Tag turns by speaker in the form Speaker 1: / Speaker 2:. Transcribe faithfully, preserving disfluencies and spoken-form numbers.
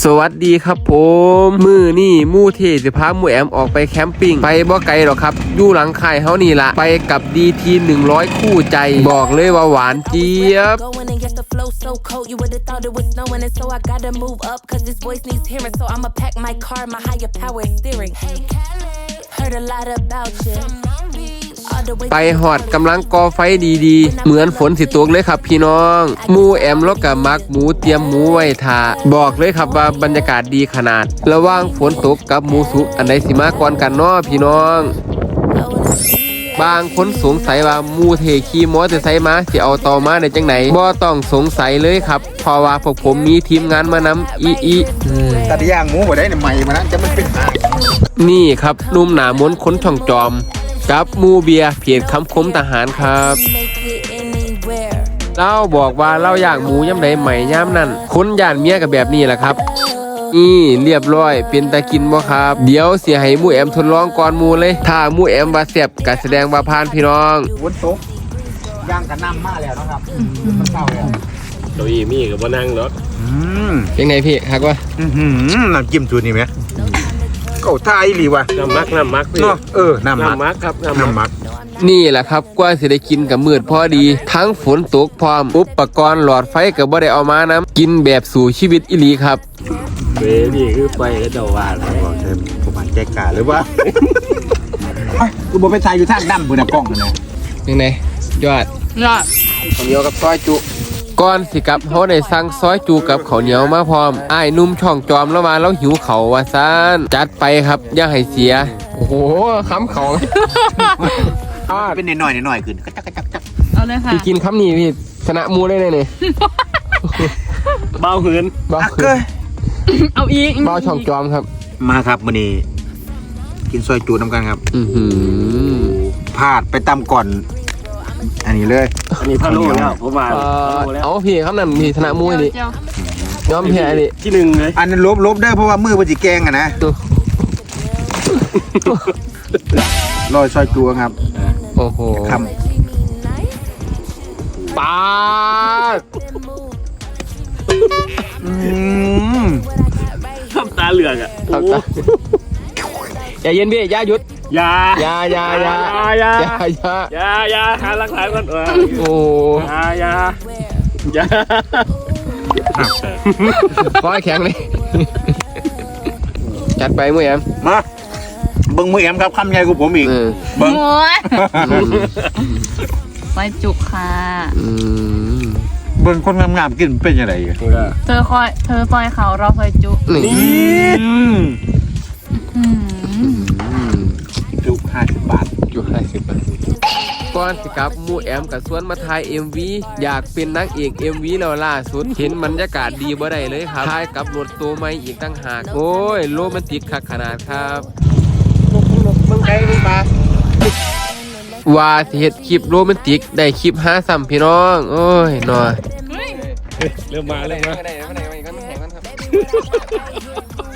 Speaker 1: สวัสดีครับผมมือนี่มู่เทสิพาหมู่แอมออกไปแคมปิ้งไปบ่ไกลหรอกครับอยู่หลังค่ายเฮานี่ละไปกับ ดี ที หนึ่งร้อย คู่ใจบอกเลยว่าหวานเจี๊ยบไปหอดกำลังก่อไฟดีๆเหมือนฝนสิตกเลยครับพี่น้องหมู่แอมแล้วกับมักหมูเตรียมหมูไว้ทาบอกเลยครับว่าบรรยากาศดีขนาดระหว่างฝนตกกับหมูสุกอันใดสิมาก่อนกันเนาะพี่น้องบางคนสงสัยว่าหมูเทขี่มอเตอร์ไซค์มาสิเอาต่อมาได้จังไหนบ่ต้องสงสัยเลยครับเพราะว่าพวกผมมีทีมงานมานำอีอี
Speaker 2: ตัดย่างหมูบ่ได้เนี่ยใหม่มานะจะมันเป็นหาง
Speaker 1: นี่ครับนุ่มหนามนค้นช่องจอมกับมูเบียเพียรคำคมทหารครับเล่าบอกว่าเล่าย่างหมูย่ำใดใหม่ย่ำนั่นคนย่านเมียกับแบบนี้แหละครับนี่เรียบร้อยเป็นตากินบ่ครับเดี๋ยวเสียให้มูแอมทดลองก่อนมูเลยถ้ามูแอมว่าแซ่บก็แสดงว่าผ่านพี่น้อง
Speaker 2: วนตกย่างกันน้ำมาแล้วนะครับมันเศร้าแล้ว
Speaker 3: เก้าอี้มีกับบ่นั่งเนาะ
Speaker 1: เป็นไงพี่ฮักวะ
Speaker 2: น้ำจิ้มจุดนี่ไหมเก่าท่าอีหลีวะ
Speaker 3: น้ำมักน้ำมัก
Speaker 2: เนาะเออน้ำมัก
Speaker 3: น้ำมักครับ
Speaker 2: น้ำมัก
Speaker 1: นี่แหละครับกว่าสิได้กินกับมืดพอดีทั้งฝนตกพร้อมอุปกรณ์หลอดไฟกับบ่ได้เอามานะกินแบบสู่ชีวิตอีหลีครับ
Speaker 3: เว้ยนี่คือไฟแล้วเดาว่าแล้ว
Speaker 2: บอกเธอผมอ่านแจกกาหรือว่ากูบอกไปถ่ายอยู่ทางดำบนกล้องนะ
Speaker 1: ยังไงยอด
Speaker 4: ยอด
Speaker 1: ข้าวเหนียวกับซอยจุก่อนสิกับเขาได้สั่งซอยจูกับข้าวเหนียวมาพร้อมอ้ายนุ่มช่องจอมแล้วมาแล้วหิวเขาว่าซ่านจัดไปครับอย่าให้เสียโอ้โหคำเขา
Speaker 2: เป็นหน่อยๆหน่อยๆขึ้นก็จักจักจัก
Speaker 4: เอาเลยค่ะ
Speaker 1: พี่กินคำนี้พี่ชนะมูได้เลยเนี่ย
Speaker 3: เบาหืน
Speaker 1: เบาหืน
Speaker 4: เอาอีก
Speaker 1: เบาช่องจอมครับ
Speaker 2: มาครับมื้อนี้กินซอยจูน้ำกันครับ
Speaker 1: อือหือ
Speaker 2: พลาดไปตำก่อนอันนี้เลย
Speaker 3: อันนี้พะโล้แล้วผมว่า
Speaker 1: เอาพี่คำนั้นพี่ชนะมูนี่ยอมแพ้นี่
Speaker 3: ที่หนึ่งเลย
Speaker 2: อันนั้นลบลบได้เพราะว่ามือมันจีแกงอะนะลอยซอยจูครับ
Speaker 1: โอ้โห
Speaker 2: คำ
Speaker 1: ปาด
Speaker 3: ทำตาเหลือกอ่ะ
Speaker 1: อย่าเย็นพี่อย่าหยุด
Speaker 3: อย่า
Speaker 1: อย่าอย่าอย่า
Speaker 3: อย่า
Speaker 1: อย่าอย่า
Speaker 3: อย่าอย่าหาหลักฐานก่อน
Speaker 1: โอ้
Speaker 3: อย่าอย่าอย่า
Speaker 1: ขอให้แข็งเลยจัดไปมือแอม
Speaker 2: มาเบิ้งมือแอมครับคำใหญ่กว่าผมอีก
Speaker 4: เบิ้งไว้จุกค่ะ
Speaker 2: เบิ้งคนงามๆกินเป็นยังไง
Speaker 4: เธอคอยเธอซอยเขาเราซอยจุ
Speaker 1: นี่
Speaker 2: จุห้าสิบบาท
Speaker 1: จุห้าสิบบาทก่อนสิครับมูแอมกับสวนมาถ่าย เอ็ม วี อยากเป็นนักเอก เอ็ม วี แล้วล่าสุดเห็นบรรยากาศดีบ่ได้เลยครับถ่ายกับรถตัวใหม่อีกตั้งหากโอ้ยโรแมนติกขนาดครับ
Speaker 2: ลกลกเมืองไกลเมืองปลา
Speaker 1: ว่าสิเฮ็ดคลิปโรแมนติกได้คลิปหาซ้ำพี่น้องโอ้ยหน่อย
Speaker 3: เริ่มมาเริ่มมา